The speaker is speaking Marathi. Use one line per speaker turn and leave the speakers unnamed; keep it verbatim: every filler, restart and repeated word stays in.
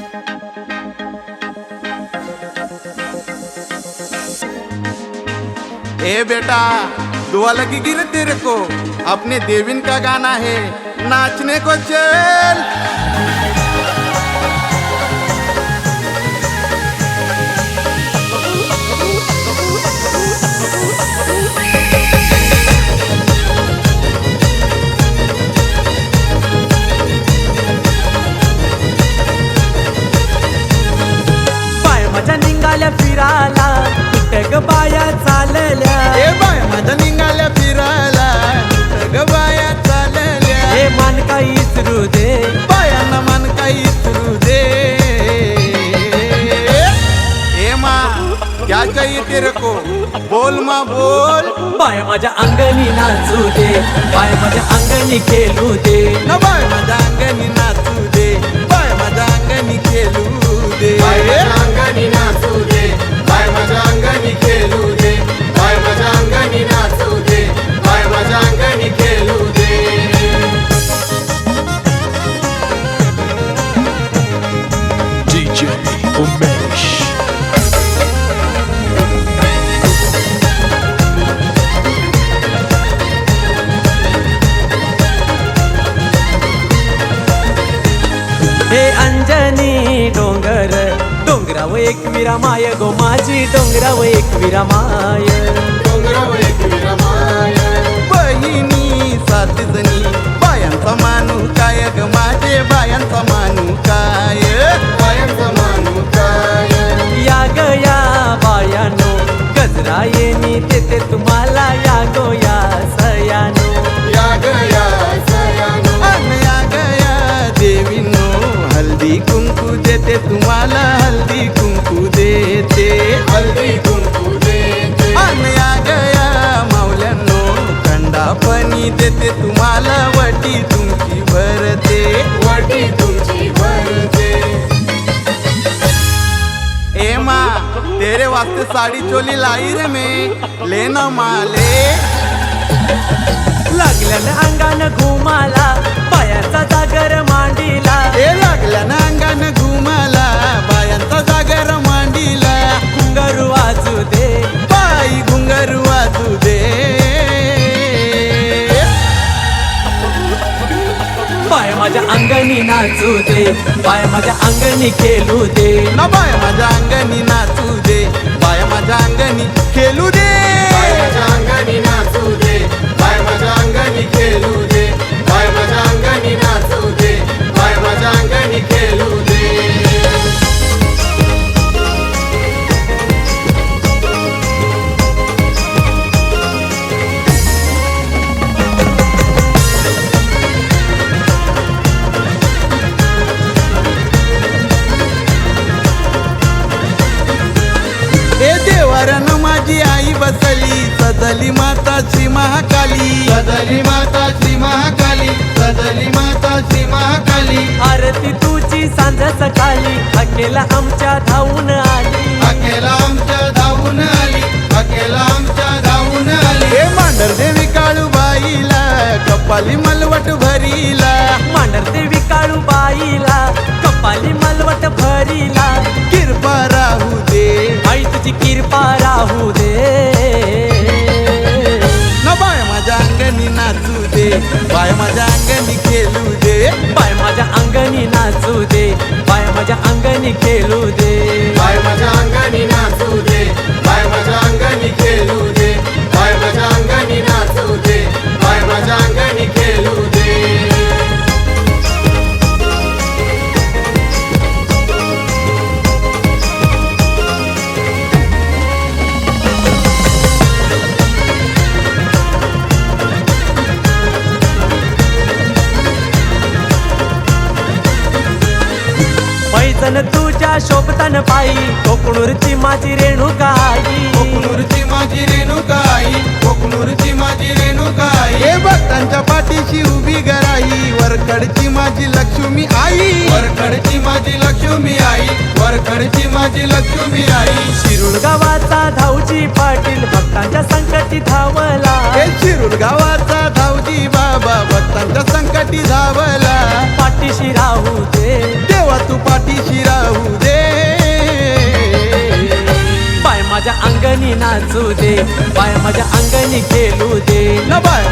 ए बेटा, दुआ लगी गिर तेरे को, अपने देविन का गाना है, नाचने को चल।
पाय माझ्या निघाल्या फिरायला, कुठं ग बाया चालल्या,
ए बाय माझ्या निघाल्या फिरायला, कुठं ग बाया चालल्या,
हे मान काही इसरू दे,
बायांना मान काही इसरू दे। ए माँ क्या चाहिए तेरे को, बोल माँ बोल।
बाय माझ्या अंगणी नाचू दे, बाय माझ्या अंगणी खेळू दे,
न बाय माझ्या अंगणी नाचू दे, बाय माझ्या अंगणी खेळू दे,
बाय माझ्या अंगणी नाचू दे, बाय माझ्या अंगणी खेळू दे, बाय माझ्या अंगणी नाचू दे, बाय माझ्या अंगणी खेळू दे।
D J Umesh.
हे अंजनी डोंगर, डोंगराव एक विरा माय गो माझी, डोंगराव एक विरा माय,
डोंगरावर एक विरमाय,
बहिणी सात जणी, बायांचा मानू काय ग माझे, बायांचा मानू काय,
बायांचा मानू काय,
या ग या बायानो, गजरा येणी देते तुम्हाला, या गो या सयानो,
या गया सयानो,
अन या गया देवीनो, हल्दी कुंकू देते तुम्हाला, हल्दी कुंकू देते,
हल्दी कुंकू देते,
अन या गया मावल्यानो, खंडापणी देते तुम्हाला, वटी तुमची भरते,
वटी तुमची भरते।
ए माँ तेरे वास्ते साड़ी चोली लाई रे मैं, लेना माले।
लागल्यानं अंगानं घुमाला, पायाचा जागर मांडीला,
ए लागल्यानं अंगानं घुमाला, बायांचा जागर मांडीला,
घुंगारू वाजू दे,
बाई घुंगारू वाजू दे।
पाय माझ्या अंगणी नाचू दे, पाय माझ्या अंगणी खेळू दे,
ना बाय माझ्या अंगणी नाचू दे, बाय माझ्या अंगणी खेळू दे,
बाय माझ्या अंगणी नाचू दे, बाय माझ्या अंगणी खेळू दे, बाय माझ्या अंगणी नाचू दे, बाय माझ्या अंगणी खेळू दे।
ए देवाऱ्यानं माझी आई बसली, सजली माता श्री महाकाली,
सदली माता श्री महाकाली, सदली माता श्री महाकाली,
आरती तुझी सांज सकाळी, अकेला आमच्या धावून आली,
अकेला आमच्या धावून आली, अकेला आमच्या धावून आली,
ए मांडर देवी काळूबाईला, कपाली मलवट भरीला,
मांडर देवी काळू बाईला, कपाली मलवट भरीला,
कृपा राहू दे,
आई तुझी कृपा राहू दे,
न बाय माझ्या अंगणी नाचू दे, बाय माझ्या अंगणी खेळू दे,
पाय माझ्या अंगणी नाचू दे, पाय माझ्या अंगणी खेळू दे,
बाय माझ्या अंगणी नाचू दे, बाय माझ्या अंगणी खेळू दे, बाय माझ्या अंगणी नाचू दे, बाय माझ्या अंगणी खेळू दे।
पैजन तुझ्या शोभतान पायी, कोकणूरची माझी रेणुकाई,
कोकणूरची माझी रेणुकाई, कोकणूरची माझी रेणुकाई,
ए भक्तांच्या पाठीशी उभी गराई, वरकडची माझी लक्ष्मी आई,
वरकडची माझी लक्ष्मी आई, वरकडची माझी लक्ष्मी आई,
शिरूर गावाचा धावजी पाटील, भक्तांच्या संकटी धावला,
ए शिरूर गावाचा धावजी बाबा, भक्तांच्या संकटी धावला,
पाठीशी राहू दे,
देवा तू पाठीशी राहू
नाचू दे बाय माझ्या अंगणी खेळू दे
न बाय